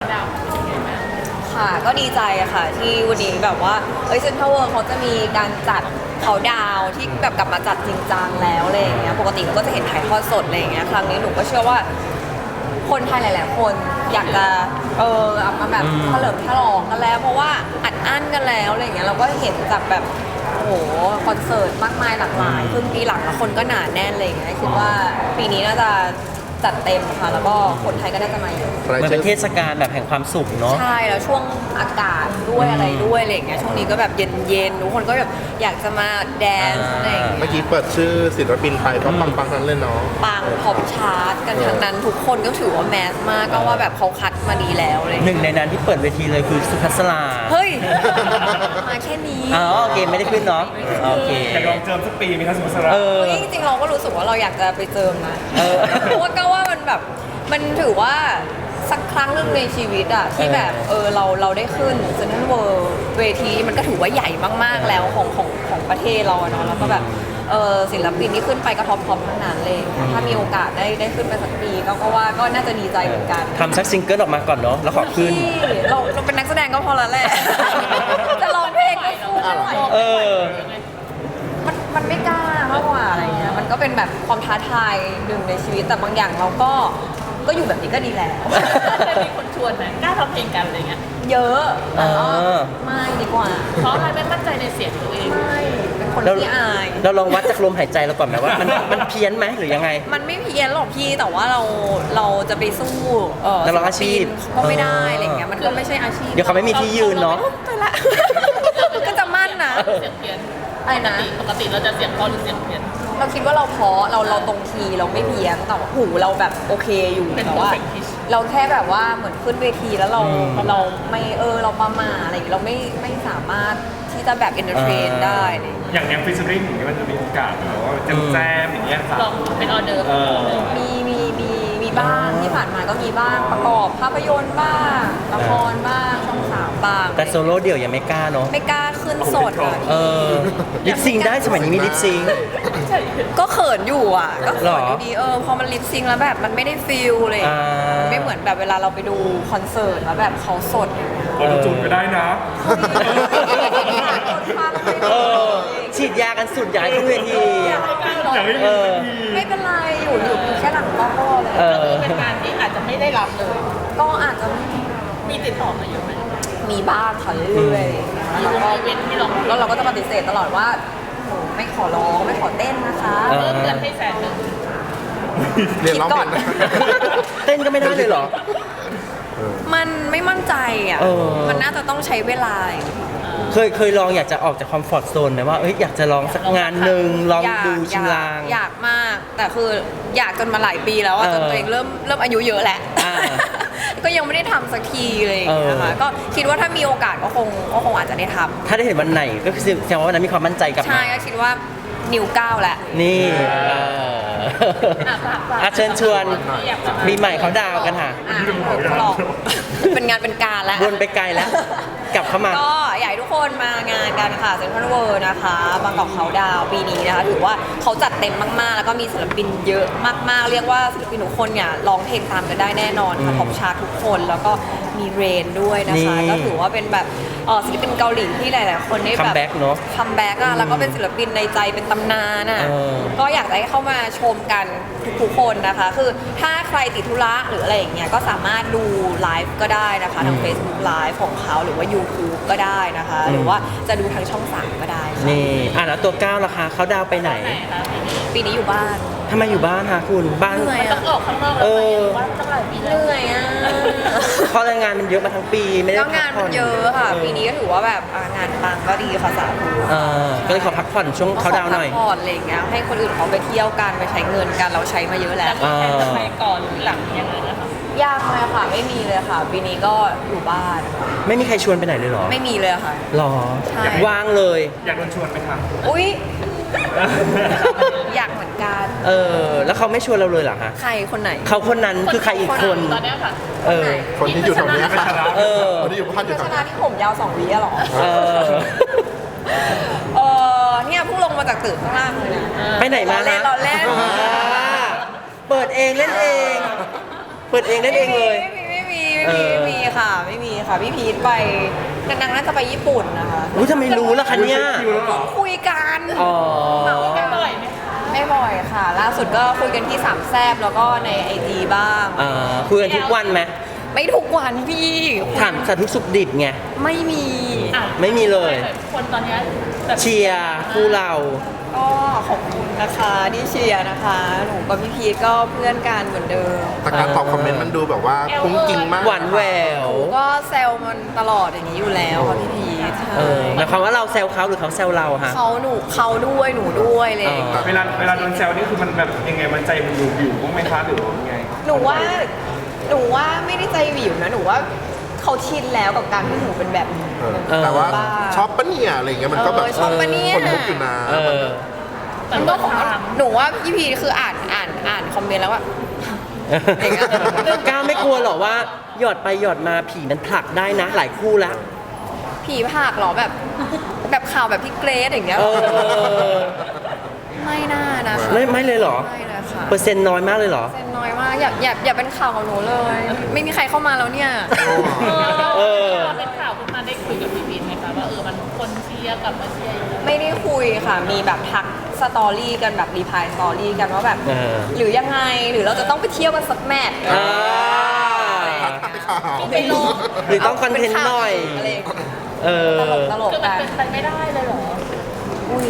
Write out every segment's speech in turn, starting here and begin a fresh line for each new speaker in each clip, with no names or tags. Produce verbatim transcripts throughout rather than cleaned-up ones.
ดาวเป็นยังไงบ้าง
ค่ะก็ดีใจอะค่ะที่วันนี้แบบว่าเอ้ยเซ็นทรัลเวิลด์เขาจะมีการจัดเขาดาวที่แบบกลับมาจัดจริงจังแล้วอะไรอย่างเงี้ยปกติก็จะเห็นถ่ายทอดสดอะไรอย่างเงี้ยครั้งนี้หนูก็เชื่อว่าคนไทยหลายๆคนอยากจะเออเอามาแบบเฉลิมฉลองกันแล้วเพราะว่าอัดอั้นกันแล้วอะไรอย่างเงี้ยเราก็เห็นจากแบบโอ้โหคอนเสิร์ตมากมายหลากหลายครึ่งปีหลังแล้วคนก็หนาแน่นอะไรอย่างเงี้ยคิดว่าปีนี้น่าจะจัดเต็มค่ะแล้วก็คนไทยก็น่าจะมาเยอะ
มันเป็นเทศกาลแบบแห่งความสุขเนาะ
ใช่แล้วช่วงอากาศด้วยอะไรด้วยอะไรอย่างเงี้ยช่วงนี้ก็แบบเย็นๆทุกคนก็แบบอยากจะมาแดนซ์อะไรอย่างเงี้ย
เมื่อกี้เปิดชื่อศิลปินไปก็ปังๆนั้นเลยเนาะ
ปังพอปชาร์ตกันทั้งนั้นทุกคนก็ถือว่าแมสมากก็ว่าแบบเขาคัดมาดีแล้วเลย
หนึ่งในนั้นที่เปิดเวทีเลยคือสุภัสรา
เฮ้ยมาแค่นี้
อ๋อโอเคไม่ได้ขึ้นเนาะโอเค
อยากลองเจิมสักปีไหมครับสุภัสรา
เออ
จริงๆเราก็รู้สึกว่าเราอยากจะไปเจิมนะเพราะว่าก็ว่ามันแบบมันถือว่าสักครั้งหนึ่งในชีวิตอะที่แบบเออเราเราได้ขึ้นเซ็นทรัลเวิลด์เวทีมันก็ถือว่าใหญ่มากๆแล้วของของของประเทศเราเนาะแล้วก็แบบเออศิลปินที่ขึ้นไปก็ท็อปท็อปทั้งนั้นเลยถ้ามีโอกาสได้ได้ขึ้นไปสักปีก็ก็ว่าก็น่าจะดีใจเหมือนกัน
ทำสักซิงเกิลออกมาก่อนเนาะแล้วขอขึ้น
เราเราเป็นนักแสดงก็พอแล้วแหละจะร้องเพลงก็สู้ไม่ไหว
เออ
มันมันไม่กล้ามากกว่าอะไรเงี้ยมันก็เป็นแบบความท้าทายหนึ่งในชีวิตแต่บางอย่างเราก็ก็อยู่แบบนี้ก็ดีแล้ว
เคยมีคนชวนไหมกล้าทำเพลงกันอะไรเงี้ย
เยอะแต่ก็ไม่ดีกว่า
เพราะอะไรไม่มั่นใจในเสียงตัวเอง
ไม่เป็นคนที่อาย
เราลองวัดจากลมหายใจเราก่อนไหมว่ามันมันเพี้ยนไหมหรือยังไง
มันไม่เพี้ยนหรอกพี่แต่ว่าเราเราจะไปสู้เออ
นักร้องอาชีพ
ก็ไม่ได้อะไรเงี้ยมันก็ไม่ใช่อาชีพ
เดี๋ยวเขาไม่มีที่ยืนเนาะ
ไปละก็จะมั่นนะ
เสียงเพี้ยน
อะไรนะ
ปกติเราจะเสียงเพราะหรือเสียงเพี้ยน
เราคิดว่าเราเพราะเราเราตรงคีย์เราไม่เพี้ยนแต่หูเราแบบโอเคอยู่แต่ว่าเราแค่แบบว่าเหมือนขึ้นเวทีแล้วเราเราไม่เออเราประมาอะไรเราไม่ไม่สามารถที่จะแบบเอนเตอร์เทนได้
อย่างแนวฟิชเชอริ่งอย่างนี้มันจะมีโอกาสแบบว่าแจมแจมอย่างเงี้ยค่ะ
ลองเป็นออเดอร์
มีมีมีมีบ้างที่ผ่านมาก็มีบ้างประกอบภาพยนตร์บ้างละครบ้างช่องสามบ้าง
แต่โซโล่เดี่ยวยังไม่กล้าเนาะ
ไม่กล้าขึ้นสดอ่ะ
เออลิปซิงได้สมัยนี้มีลิปซิง
ก็เขินอยู่อ่ะก็เขินอยู่ดีเออพอมันลิปซิงแล้วแบบมันไม่ได้ฟีลเลยไม่เหมือนแบบเวลาเราไปดูคอนเสิร์ตแล้วแบบเขาสด
ออโต้จูนก็ได้นะ
ฉีดยากันสุดใหญ่ขึ้นเวที
ไม่เป็นไรอยู่อยู่แค่หลังก็พอเลย
เป็นงานที่อาจจะไม่ได้รับเลย
ก็อาจจะ
มีติดต่อมาอยู่ไหม
มีบ้างค่ะเรื่อยๆแล้วก็
เว้นที่เรา
แล้วเราก็จะปฏิเสธตลอดว่าไม่ขอร้องไม่ขอเต้นนะคะ
เริ่มเงินให้แสนหนึ่ง
เรียนร้องเพลง
เต้นก็ไม่ได้เลยเหรอ
มันไม่มั่นใจอ่ะมันน่าจะต้องใช้เวลา
เคยเคยลองอยากจะออกจากคอมฟอร์ทโซนไหมว่าเอ้ยอยากจะลองสักงานหนึ่งลองดูชิมลาง
อยากมากแต่คืออยากจนมาหลายปีแล้วจนตัวเองเริ่มเริ่มอายุเยอะแหละก็ยังไม่ได้ทำสักทีเลยนะคะก็คิดว่าถ้ามีโอกาสก็คงก็คงอาจจะได้ทำ
ถ้าได้เห็นวันไหนก็คือแสดงว่าวันนั้นมีความมั่นใจกับ
ใช่ก็คิดว่านิวก้าวแหละ
นี่อาเชิญชวนปีใหม่เขาดาวกันค่ะ
เป็นงานเป็นการแล้ว
วนไปไกลแล้วกลับเข้ามา
ก็อยากให้ทุกคนมางานกันค่ะเซ็นทรัลเวิลด์นะคะบางกอกเขาดาวปีนี้นะคะถือว่าเขาจัดเต็มมากๆแล้วก็มีศิลปินเยอะมากๆเรียกว่าศิลปินทุกคนเนี่ยร้องเพลงตามกันได้แน่นอนค่ะท็อปชาร์ตทุกคนแล้วก็มีเรนด้วยนะคะก็ถือว่าเป็นแบบศิลปินเกาหลีที่หลายๆคนได้แบบคัม
แบ็กเนาะ
คัมแบ็กอะแล้วก็เป็นศิลปินในใจเป็นตำนานอะก็อยากให้เข้ามาชมกันทุกๆคนนะคะคือถ้าใครติดธุระหรืออะไรอย่างเงี้ยก็สามารถดูไลฟ์ก็ได้นะคะทาง Facebook Live ของเขาหรือว่า YouTube ก็ได้นะคะหรือว่าจะดูทางช่องสามก็ได้
นี่อ่ะแล้วตัวก้าวล่ะคะเขาดาวไปไหน
ปีนี้อยู่บ้าน
ทำไมอยู่บ้านคะคุณบ้าน
เหนื่อยอ่ะ
ออกข้างนอกเออว่าตั้งหลายปี
เหนื่อยอ่ะ
เพราะงานมันเยอะมาทั้งปีไม่ได้
พักผ่อนงานมันเยอะค่ะปีนี้ก็ถือว่าแบบงานปังก็ดีค่ะสาธุ
ก็เลยขอพักผ่อนช่วงเขาดาวหน่อย
พักผ่อนอะไรอย่างเงี้ยให้คนอื่นเขาไปเที่ยวกันไปใช้เงินกันเราใช้มาเยอะแล้ว
ไปก่อนหรือหลังยังไงนะคะ
ยากเลยค่ะไม่มีเลยค่ะปีนี้ก็อยู่บ้าน
ไม่มีใครชวนไปไหนเลยหรอ
ไม่มีเลยค่ะ
หรอว่างเลย
อยากโดนชวนไหมคะ
อุ้ยอยากเหมือนกัน
เออแล้วเขาไม่ชวนเราเลยเหรอคะ
ใครคนไหน
เขาคนนั้นคือใครอีกคน
ตอนนี้ค่ะ
เออ
คนที่อยู่แถวนี้ค่ะ
เออ
คนที่อยู่บ้านอยู่แถว
นี้ที่ผมยาวสองวิหรอเออเออเนี่ยเพิ่งลงมาจากตึกข้างล่างเลยนะ
ไปไหนมา
เล่นเราเล่น
เปิดเองเล่นเองเปิดเองเล่นเองเลย
ไม่มีไม่มีไม่มีไม่มีค่ะไม่มีค่ะพี่พีทไปนางๆน่าจะไปญี่ปุ่นนะคะ
อุ้ยทำไมรู้ล่ะคะเนี่ย
คิวแล้วเหรอ
คุยกัน
อ๋อ
กันบ่อยไหมคะ
ไม่บ่อยค่ะ ล่าสุดก็คุยกันที่สามแซบแล้วก็ในไอจีบ้าง
อ่าคุยกันทุกวันไหม
ไม่ทุกวันพี่
ถามสาธุสุขดิบไง
ไม่มี
อ่ะ
ไม่มีเลย
คนตอนเนี้ยแบบ
เชียร์คู่เรา
ก็ขอบคุณนะคะที่เชียร์นะคะหนูกับพี่พีทก็เพื่อนกันเหมือนเดิม
แต่การตอบคอมเมนต์มันดูแบบว่าคุ้งจริงมาก
หวานแหวว
ก็แซลมันตลอดอย่างนี้อยู่แล้วค่ะพี่พีทใช่
เออหมายความว่าเราแซวเขาหรือเขาแซวเราฮะ
เขาหนูเขาด้วยหนูด้วยอะไรอย่างเลย
อ๋อ
เวลาเวลาโดนแซวนี่คือมันแบบยังไงมันใจมันอยู่อยู่บ้างไหมคะหรือว่ายังไง
หนูว่าหนูว่าไม่ได้ใจหวิวนะหนูว่าเขาชินแล้วกับการที่หนูเป็นแบบนี้
เออแต่ว่า
บ้า
ชอบปะเนี่ยอะไรเงี้ยมันก็แบบ
เออชอบปะเนี่ย
คนลุกอยู่นะ
เออ
แต่
มัน
ก็
ก็ของ
ถาม
หนูว่าพี่พีคืออ่านอ่านอ่านคอมเมนต์แล้วว่า อย่างเงี้ย
ก้าวไม่กลัวหรอว่าหยอดไปหยอดมาผีมันผลักได้นะหลายคู่แล้ว
ผีผากเหรอแบบ แบบข่าวแบบพี่เกรซอย่างเงี้ย
เออ
ไม่น่านะคะ
ไม่ไม่เลยเหรอ
ไม่เลยค่ะ
เปอร์เซ็นต์น้อยมากเลยเหรอ
เซนน้อยมากอย่าอย่าอย่าเป็นข่าวกับหนูเลย ไม่มีใครเข้ามาแล้วเนี่ย
เออ
พอเป็นข่าวขึ้นมาได้คุยกับพี่พีนไหมคะว่าเออมันคนเชียร์กลับมาเชียร์อยู่แล้ว
ไม่ได้คุยค่ะ มีแบบทักสตอรี่กันแบบรีพายสตอรี่กันว่าแบบ
เออ
หรือยังไงหรือเราจะต้องไปเที่ยวกันสักแมท
อ่า
ข่าว
ไปลง
หรือต้องคอนเทนต์หน่อย
อะไรอย่างเงี้ย
เออ
ตลกตลก
คือมัน
กัน
เป็นไปไม่ได้เลยเหรอ
อุ้ย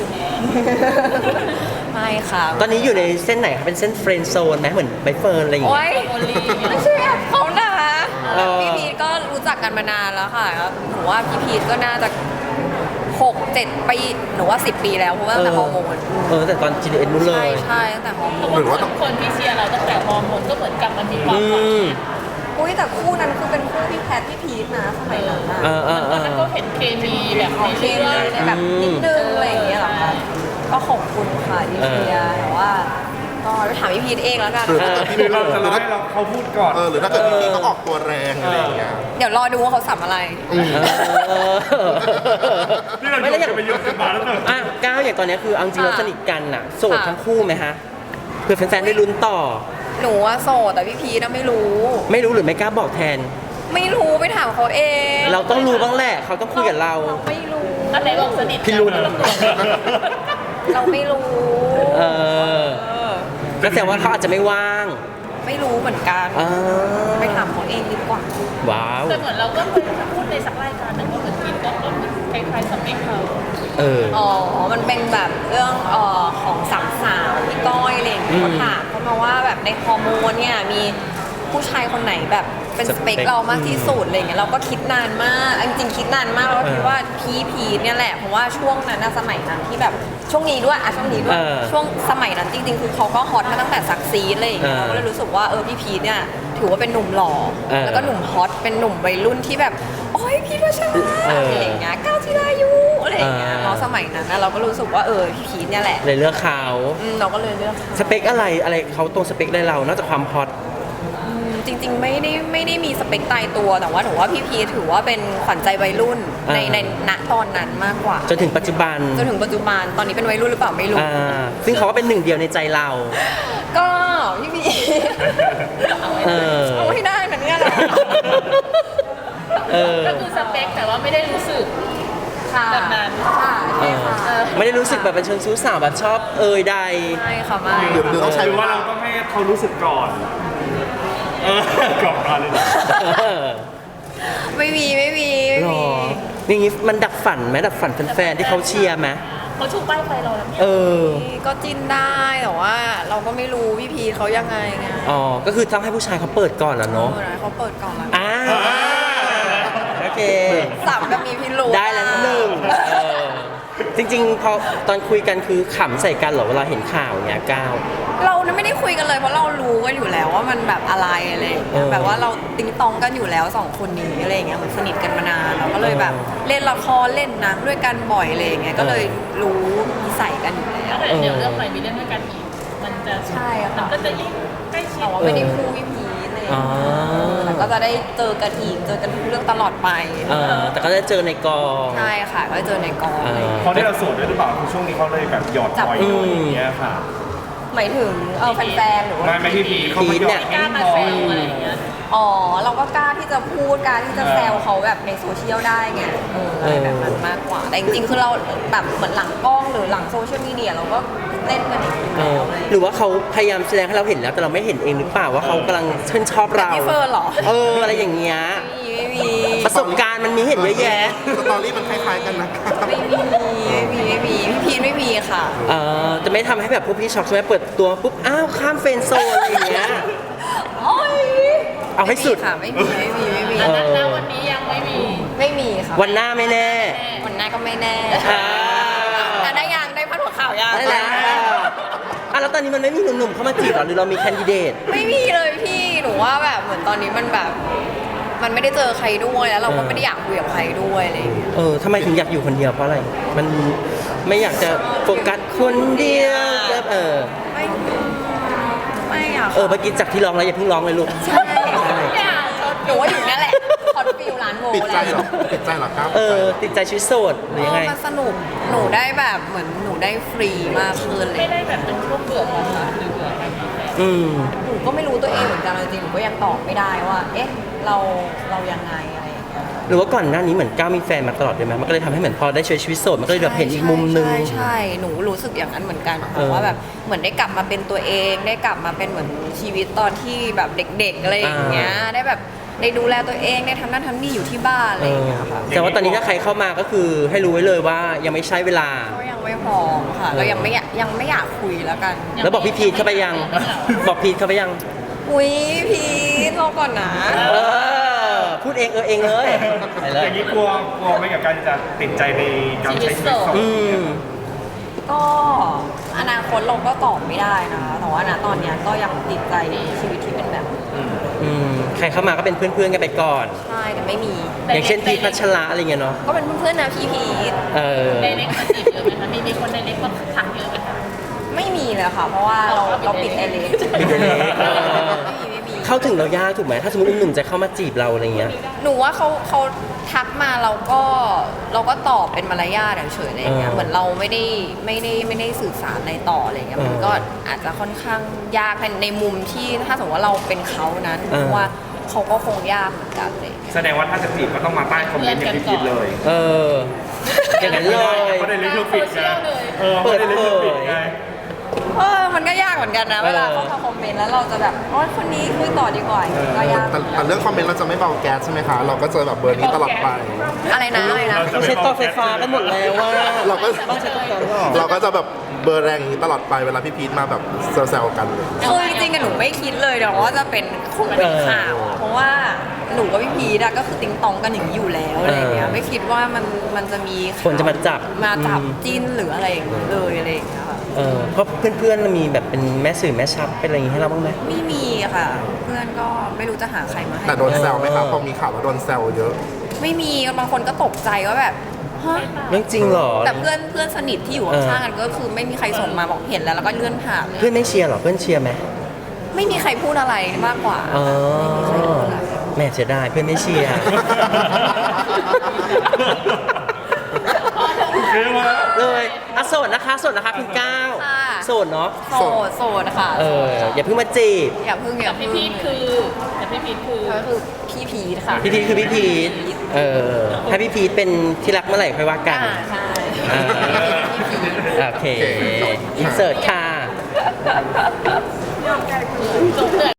ไม่ค่ะ
ตอนนี้อยู่ในเส้นไหนคะเป็นเส้นเฟรนด์โซนไหมเหมือนใบเฟิร์นอะไรอย่าง
โอ้
เงี้ย
ย
โอลี่เนี่ย
ไม่ใช่แบบเขานะคะ
เออ
พี่พีทก็รู้จักกันมานานแล้วค่ะหนูว่าพี่พีทก็น่าจะหกเจ็ดปีหนูว่าสิบปีแล้วเพราะว่าตั้งแต่ฮอร์โมน
เออแต่ตอน จี ดี เอ็น นู้นเล
ใช่
ย
ใช่ตั้งแต่ฮอร์โม
เพราะ
น
ว่าคนคนที่เชียร์เราตั้งแต่ฮอร์โมนก็เหมือนกลับมามีความ
อื
หวัง
ม
อุ้ยแต่คู่นั้นคือเป็นคู่พี่แพทพี่พีทนะสมัยนั้นนะ
เออเออเอ
ตอน
อ
นั้นก็เห็นเคมีแบบ
ขอ
ใน
งเค
เรื่อ
มี
ง
ในแบบนิดนึงอะไรอย่างเงี้ยเหรอคะก็ขอบคุณค่ะที่เชียร์แต่ว่าก็ไปถามพี่พีทเองแล้วกัน
หรือถ้าเกิดพี่
หรือเราจะรอให้เราเขาพูดก่อน
เออหรือถ้าเกิดพี่เขาออกตัวแรงอะไรอย่างเงี้ย
เดี๋ยวรอดูว่าเขาสัมอะไร
เออ
นี่เรา
ไม่
โย
แล้ว
น
อย่าง
กันไปเยอะกันมาแล้วเนอะ
อ่ะก้าวอย่างตอนเนี้ยคือเอาจริงเรา
ค่ะ
สนิทกันน่ะโสด
ค่ะ
ทั้งคู่ไหมฮะเพื่อแฟนๆได้ลุ้นต่อ
หนูว่าโสดแต่พี่พีทน่ะไม่รู้
ไม่รู้หรือไม่กล้าบอกแทน
ไม่รู้ไปถามเขาเอง
เราต้องรู้บ้างแหละเขาต้องคุยกับเรา
ไม่รู้
อันไหนบอกสนิท
พี่รุน
เราไม่รู้
เออ
เออ
ก็แสดงว่าเขาอาจจะไม่ว่าง
ไม่รู้เหมือนกัน
อ่า
ไปถามเขาเองดีกว่า
ว้าว
แต่เหมือนเราก็เคยพูดในสักรายการหนึ่งว่าเหมือนกินก็ก็คล้ายๆสเปคเขา
เออ
อ๋อ มันเป็นแบบเรื่องเอ่อของสามสาวพี่ก้อยอะไรอย่างเงี้ย
อืม
เขาถามเขามาว่าแบบในฮอร์โมนเนี่ยมีผู้ชายคนไหนแบบเป็นสเปค
สเปค
เรามากที่สุดอะไรอย่างเงี้ยเราก็คิดนานมากจริงๆคิดนานมากแล้วก็คิดว่าพีพีเนี่ยแหละเพราะว่าช่วงนั้นนะสมัยนั้นที่แบบช่วงนี้ด้วยอ่ะช่วงนี้ด้วย
เออ
ช่วงสมัยนั้นจริงๆคือเขาก็ฮอตมาตั้งแต่ซักซีดอะไรอย่างเงี้ย
เออ
เราก็เลยรู้สึกว่าเออพี่พีทเนี่ยถือว่าเป็นหนุ่มหล่อ
เออ
แล้วก็หนุ่มฮอตเป็นหนุ่มวัยรุ่นที่แบบโอ้ยพีทวัชระ
เอออ
อะไรอย่างเงี้ยก้าวจิรายุอะไรอย่างเงี้ย
เออ
เนาะสมัยนั้นนะเราก็รู้สึกว่าเออพี่พีทเนี่ยแหละ
เลยเลือกเขา
อืมเราก็เลยเลือกเขา
สเปคอะไรอะไรเขาตรงสเปคได้เรา นอกจากความฮอต
อืมจริง ๆ ไม่ได้ไม่ได้มีสเปคตายตัวแต่ว่าหนูว่าพี่พีทถือว่าเป็นขวัญใจวัยรุ่นใน
อ่า
ในณตอนนั้นมากกว่า
จนถึงปัจจุบัน
จนถึงปัจจุบันตอนนี้เป็นวัยรุ่นหรือเปล่าไม่รู้
อ่าซึ่งเขาก็เป็นหนึ่งเดียวในใจเรา
ก็พี่พีท
เออ
เอาให้ได้นะเนี่ยเหรอ
เออ
ก็คือสเปคแต่ว่าไม่ได้รู้สึก
ค่ะ
แบบนั้น
ค่ะ
เอ
ใช่
อ
ค่ะ
ไม่ได้รู้สึกแบบเป็นเชิงชู้สาวแบบชอบเอ่ยใด
ไม่ค่ะไม่
เดี๋ยวเดี๋ยวต้องใช้
หรือ
เว
ว่า
ลา
เราต้องให้เขารู้สึกก่อน เออกรอบมาเลยนะ
เออ
ไม่มีไม่มีไม่
หร
มี
ออย่างงี้มันดับฝันไหมดับฝันแฟนๆที่เขาเชียร์ไหม
เขาชูป้ายไฟเราแล้วเนี่ย
เออ
ก็จิ้นได้แต่ว่า เราก็ไม่รู้พี่พีทเขายังไงไง
อ๋อ ก็คือต้องให้ผู้ชายเขาเปิดก่อนเหรอ
เอ
เนาะ
อนะเขาเปิดกล่องแล้ว
อ่าโอเค
สับแบบมีพิรุธ
ได้แล้วหนึ่งเออจริงๆ พอตอนคุยกันคือขำใส่กันเหรอเวลาเห็นข่าวเนี้ยก้าว
เราไม่ได้คุยกันเลยเพราะเรารู้กันอยู่แล้วว่ามันแบบอะไรอะไรอย่างเงี้ย
เออ
แบบว่าเราติ๊งตองกันอยู่แล้วสองคนนี้อะไรอย่างเงี้ยเหมือนสนิทกันมานานเราก็เลยแบบเล่นละครเล่นหนังด้วยกันบ่อยอะไรอย่างเงี้ยก็เลยรู้นิสัยกันอยู่แล้ว
แล้วเดี๋ยวเรื่องใหม่มีเรื่องด้วยกันอีกมันจะ
ใช่ค่ะ
มันก็จะยิ่งใกล้ชิด
แต่ว่าไม่ได้คู่พี่พีทเลย
อ๋อ
แต่ก็จะได้เจอกันอีกเจอกันทุกเรื่องตลอดไป
เออแต่ก็ได้เจอในกอง
ใช่ค่ะก็เจอในกอง
เออ
เพราะที่เราโสดด้วยหรือเปล่าคือช่วงนี้เขาเลยแบบหยอดบ่อย
อืม
อย่างเงี้ยค่ะ
หมายถึงเออแฟนๆหรือว่า
ไม่ไม่พี่พีเขามาหยอด
กล้ามาแซวอะไรอย่างเงี้ย
อ๋อเราก็กล้าที่จะพูดกล้าที่จะแซวเขาแบบในโซเชียลได้ไงเอออะไรแบบนั้นมากกว่าแต่จริงๆคือเราแบบเหมือนหลังกล้องหรือหลังโซเชียลมีเดียเราก็เล่นกันอย่างนี้
เอ
แล้
อ
วอะไรอย่าง
ห
เงี้ย
รือว่าเขาพยายามแสดงให้เราเห็นแล้วแต่เราไม่เห็นเองหรือเปล่าว่าเขากำลังชื่นชอบเรา
พี่เฟิร์นเหรอ
เอออะไรอย่างเงี้ย
ไม่มี
ประสบการณ์มันมีเห็นเยอะแยะ
สตอรี่มันคล้ายๆกันนะครับ
ไม่มีไม่มีไม่มีไม่มีพี่พีนไม่มีค่ะ
เออจะไม่ทำให้แบบพวกพี่ช็อกใช่ไหมเปิดตัวปุ๊บอ้าวข้ามเฟรนด์โซนอะไรอย่างเงี้ย
โอ้ย
เอาให้สุด
ค่ะไม่มีไม่มีไม่มี
เออ
ณวันนี้ยังไม่มี
ไม่มีค่ะ
วันหน้าไม่แน่
วันหน้าก็ไม่แน่
อ่า
แต่ได้ยังได้พัดหัวข่าวยัง
ได้แล้วอ่ะแล้วตอนนี้มันไม่มีหนุ่มๆเข้ามาจีบเหรอหรือเรามีแคนดิเดต
ไม่มีเลยพี่หนูว่าแบบเหมือนตอนนี้มันแบบ มันไม่ได้เจอใครด้วยแล้วเราก็
เออ
ไม่ได้อยากคุยกับใครด้วยอะไรอย่างเงี้ย
เออทำไมถึงอยากอยู่คนเดียวเพราะอะไร มันไม่อยากจะโฟกัสคนเดียวแบบเออ
ไม่ไม่อะ
เออเมื่อกี้จากที่ร้องแล้วอย่าเพิ่งร้องเลยลูก
ใช่หนูว่าอยู่นั่นแหละคอนฟิลร้านโม
ติดใจเหรอติดใจเหรอครับ
เออติดใจชีวิตโสดหรือยังไง
มันสนุกหนูได้แบบเหมือนหนูได้ฟรีมากขึ้นเล
ไม่
ย
ได้แบบเป็นช่วงเบื่อของเราหรือเบื่อการมีแฟน
อืม
หนูก็ไม่รู้ตัวเองเหมือนกันจริงๆหนูก็ยังตอบไม่ได้ว่า เอ๊ะเราเรายังไงอะไรอย่างเงี้ย
หรือว่าก่อนหน้านี้เหมือนก้าวมีแฟนมาตลอดเลยไหมมันก็เลยทำให้เหมือนพอได้ใช้ชีวิตโสดมันก็เลยแบบเห็นอีกมุมนึง
ใช่ใช่หนูรู้สึกอย่างนั้นเหมือนกัน
เออ
ว่าแบบเหมือนได้กลับมาเป็นตัวเองได้กลับมาเป็นเหมือนชีวิตตอนที่แบบเด็กๆอะไรอย่างเงี้ยได้แบบได้ดูแลตัวเองได้ทำนั่นทำนี่อยู่ที่บ้านอะไรอย่างเงี้ยค่ะ
แต่ว่าตอนนี้ถ้าใครเข้ามาก็คือให้รู้ไว้เลยว่ายังไม่ใช่เวลา
ก็ยังไม่พร้อมค่ะก็ยังไม่อยากยังไม่อยากคุยแล้วกัน
แล้วบอกพี่พีทเข้าไปยัง บอกพีทเข้าไปยัง
อุ้ยพีทรอก่อนนะ
เออ พูดเองเออเองเลยไปเล
อย ย่างนี้กลัวกลัวไหมกับการจะติดใจในการใช้ชีวิตโสด
อืม
ก็อนาคตเราก็ตอบไม่ได้นะคะแต่ว่าณตอนเนี้ยก็ยังติดใจในชีวิตที่เป็นแบบนี้
อืม ใครเข้ามาก็เป็นเพื่อนๆกันไปก่อน
ใช่แต่ไม่มี
อย่างเช่นพีทพัชระอะไรเงี้ยเนาะ
ก็เป็นเพื่อนๆนะพี่พีท
เออ
ไดเล็กมาจีบเยอะไหมคะมีมีคนไดเล็กมาทักเยอะไหมคะ
ไม่มีเลยค่ะ เพราะว่าเราเราปิดไอเลส
ปิดไอเลสเออ
ไม่มีไม่มี
เข้าถึงเรายากถูกไหมถ้าสมมติหนุ่มๆจะเข้ามาจีบเราอะไรเงี้ย
หนูว่าเขาเขาทักมาเราก็เราก็ตอบเป็นมารยาทเฉยๆอะไรอย่างเงี้ย
เออ
เหมือนเราไม่ได้ไม่ได้ไม่ได้สื่อสารอะไรต่ออะไรเงี้ย
เออ
มันก็อาจจะค่อนข้างยากในในมุมที่ถ้าสมมติว่าเราเป็นเขานั้น
เออ
เพราะว่าเขาก็คงยากเหมือนกันเลย
แสดงว่าถ้าจะจีบก็ต้องมาใต้คอมเมนต์อย่างที่คิดเลย
เออ อย่างนั้นเลย
เพราะได้ลิขสิทธิ์ไงเออ
เปิด
ไม่ได้ลิขสิทธิ์ไง
เออมันก็ยากเหมือนกันนะ เวลาเขามาคอมเมนต์แล้วเราจะแบบโอ๋อคนนี้คุยต่อดีกว่าก็ยาก
แต่แต่เรื่องคอมเมนต์เราจะไม่เบาแก๊สใช่ไหมคะ เราก็จะแบบเบอร์นี้ตลอดไป
อะไรนะอะไรนะ
เขาใช้ต่อไฟฟ้ากันหมดแล้วว่า
เราก็
บ้านใช้ต่อไฟฟ้าหรอ
เราก็จะแบบเบอร์แรงอย่างนี้ตลอดไปเวลาพี่พีทมาแบบแซวๆกันเลย
คือจริงๆอะหนูไม่คิดเลยเดี๋ยวว่าจะเป็นคงเป็นข่าวอะเพราะว่าหนูกับพี่พีดอะก็คือติ๊งตองกันอย่างนี้อยู่แล้วอะไรอย่างเงี้ย
เออ
ไม่คิดว่ามันมันจะมีข่าว
คนจะมาจับ
มาจับ
อืม
จิ้นหรืออะไรอย่างเงี้ยเลยอะไรอย่างเงี้ยค่ะ
เออเพราะเพื่อนๆมีแบบเป็นแม่สื่อแม่ชับเป็นอะไรอย่างงี้ให้เราบ้างไหม
ไม่มีค่ะ เพื่อนก็ไม่รู้จะหาใครมาให้
แต่โดนแซวไหมครับพอมีข่าวแล้วโดนแซวเยอะ
ไม่มีบางคนก็ตกใจว่าแบบฮะ
เรื่องจริงเหรอ
แต่เพื่อนเพื่อนสนิทที่อยู่ข้างๆกันก็คือไม่มีใครส่งมาบอกเห็นแล้วแล้วก็เลื่อนผ่านเลย
เพื่อนไม่เชียร์เหรอเพื่อนเชียร์ไหม
ไม่มีใครพูดอะไรมากกว่า
อ๋อ
ไม่มีใครพูดอะไร
แม่เสียดายเพื่อนไม่เชียร์ เลยอ่ะโสดนะคะโสดนะคะคุณก้าว
ค่ะ
โสดเนาะ
โสดโสดค่ะ
เอออย่าเพิ่งมาจีบ
อย่าเพิ่งอย่า
พี่
เพิ่ง
พีทคือแต่พี่พีทคือ
ก็คือพี่พีทค่ะ
พี่พีทคือพี่พีทเออถ้าพี่พีทเป็นที่รักเมื่อไหร่ค่อยว่ากัน
อ่าใช่
อ่า
พี่พีท
โอเคอินเสิร์ตค่ะ
จบเลย